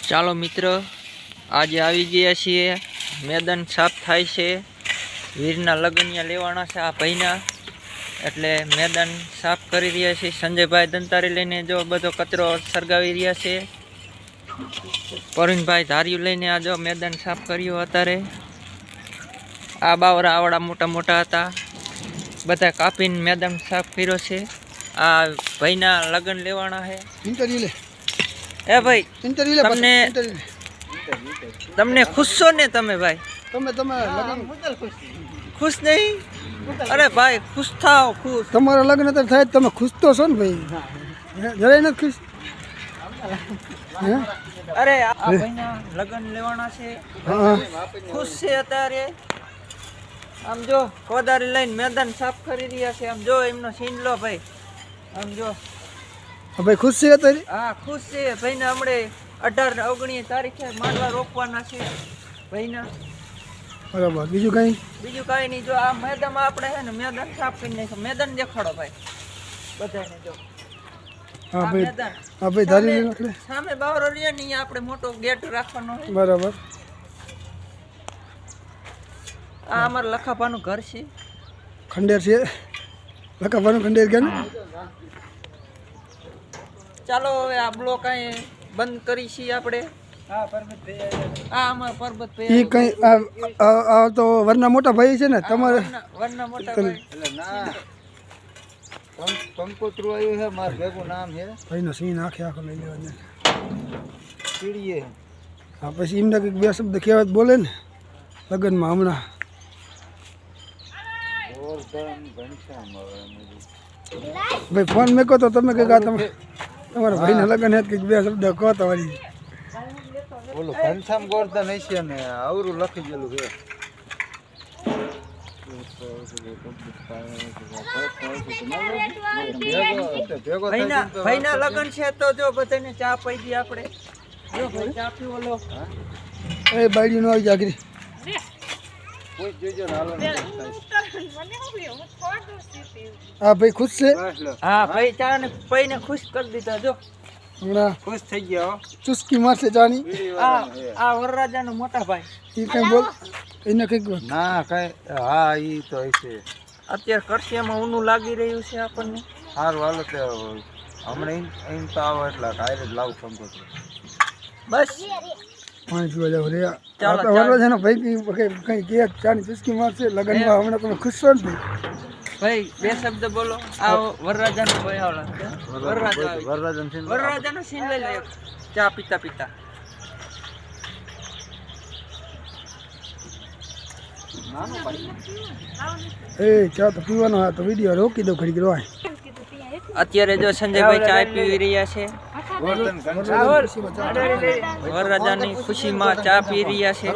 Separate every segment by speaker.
Speaker 1: ચાલો મિત્રો, આજે આવી ગયા છીએ. મેદાન સાફ થાય છે. વીરના લગનિયા લેવાના છે આ ભાઈના, એટલે મેદાન સાફ કરી રહ્યા છે. સંજયભાઈ દંતારી લઈને જો બધો કચરો સળગાવી રહ્યા છે. પરવીનભાઈ ધાર્યું લઈને આ જો મેદાન સાફ કર્યું. અત્યારે આ બાવરા આવડા મોટા મોટા હતા, બધા કાપીને મેદાન સાફ કર્યો છે. આ ભાઈના લગ્ન લેવાના છે. એ ભાઈ, તમને ખુશ છો ને તમે ભાઈ? ખુશ નહીં? અરે ભાઈ ખુશ થાવ, ખુશ.
Speaker 2: તમારા લગ્ન તો થાય, તમે ખુશ તો છો ને ભાઈ? જરાય નથી ખુશ?
Speaker 1: અરે આ ભાઈના લગ્ન લેવાના છે, ખુશ છે અત્યારે. આમ જો કોદારી લઈને મેદાન સાફ કરી રહ્યા છે. આમ જો એમનો સીન લો ભાઈ. આમ જો
Speaker 2: ભાઈ ખુશ છે અત્યારે? હા
Speaker 1: ખુશ છે. ભાઈને હમણે 18-19 તારીખે માંડવા રોપવાના છે ભાઈના.
Speaker 2: બરાબર. બીજું કઈ
Speaker 1: નહીં. જો આ મેદાનમાં આપણે છે ને મેદાન સાફ કરી નાખ્યું. મેદાન દેખાડો ભાઈ બધાને. જો
Speaker 2: હા ભાઈ, હા ભાઈ ધારી આપણે
Speaker 1: સામે બાવરો રહ્યા ને, અહીંયા આપણે મોટો ગેટ રાખવાનો છે.
Speaker 2: બરાબર.
Speaker 1: આ અમારા લખાભાનું ઘર છે.
Speaker 2: ખંડેર છે, લખાભાનું ખંડેર ગયા ને.
Speaker 1: ચાલો હવે આ બ્લોક અહીં બંધ કરી છીએ આપણે. હા અમારા પરબતભાઈ
Speaker 2: ઈ કઈ આ તો વરના મોટા ભાઈ છે ને તમારે?
Speaker 1: વરના મોટા ભાઈ.
Speaker 3: કંકોત્રું આવ્યું છે, મારું ભેગું નામ છે.
Speaker 2: ભાઈનો સીન આખે આખો લઈ લેવાનો.
Speaker 3: કીડીએ
Speaker 2: હા, પછી એમને કંઈક બે શબ્દ કહેવત બોલે ને લગ્નમાં હમણાં. ભાઈ ફોન મેકો તો તમે કંઈક આ તમારા ભાઈના લગ્ન હે, કંઈક બે શબ્દ કહો તો વળી.
Speaker 3: બોલો ઘનશ્યામ ગોરધન હશે ને અવરું લખી ગયેલું છે.
Speaker 1: ભાઈના લગ્ન છે તો જો બધાને ચા પી દી આપણે. જો ભાઈ ચા પીવો લો.
Speaker 2: એ બાયડી નો આવી જાગરી.
Speaker 3: કોઈ જોજો ને હાલો.
Speaker 2: હા ભાઈ ખુશ છે?
Speaker 1: હા ભાઈ ચા ને પૈને ખુશ કરી દીધા. જો
Speaker 2: હમણાં
Speaker 3: ખુશ થઈ ગયા.
Speaker 2: ચુસ્કી મારશે ચાની.
Speaker 1: આ વરરાજાનો મોટા ભાઈ.
Speaker 2: એ કઈ બોલ, એને કંઈક
Speaker 3: ના કઈ. હા ઈ તો હશે.
Speaker 1: અત્યારે કરશિયામાં ઊનું લાગી રહ્યું છે આપણને.
Speaker 3: સારું હાલો તે હમણાં એમ તો આવો એટલે કાયરે જ લાવું કંકોત્રું.
Speaker 1: બસ
Speaker 2: પાણી પીવા જાવ રે. વરરાજાનો ભાઈ કઈ કે ચાની ચુસ્કી મારશે લગ્નમાં. હમણાં તમે ખુશ છો ને ભાઈ?
Speaker 1: ભાઈ બે શબ્દ બોલો. આ વરરાજાનો ભાઈ આવલા વરરાજાનો સીન લઈ લે. ચા પીતા પીતા.
Speaker 2: એ ચા તો પીવાનો. હા તો વિડીયો રોકી દો ઘડી રોય.
Speaker 1: અત્યારે જો સંજયભાઈ ચા પી રહ્યા છે. વરરાજાની ખુશીમાં ચા પી રહ્યા છે.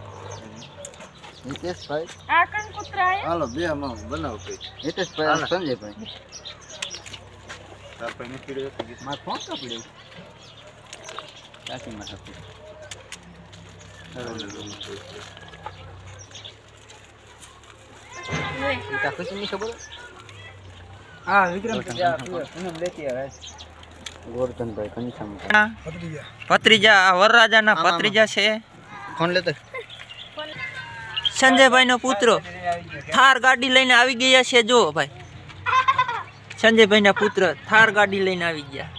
Speaker 3: હિતેશભાઈ હાલો બે બનાવો કઈ. હિતેશભાઈ સંજયભાઈ આપણે નીકળ્યો મારે ફોન કાપી ચાચીમાં આપી. ખુશી ની ખબર?
Speaker 1: હા વિક્રમ
Speaker 3: ગોરધનભાઈ ઘનશ્યામ
Speaker 1: ભત્રીજા. આ વરરાજાના ભત્રીજા છે.
Speaker 3: ફોન લેતો
Speaker 1: સંજયભાઈ નો પુત્ર થાર ગાડી લઈને આવી ગયા છે. જો ભાઈ સંજયભાઈ ના પુત્ર થાર ગાડી લઈને આવી ગયા.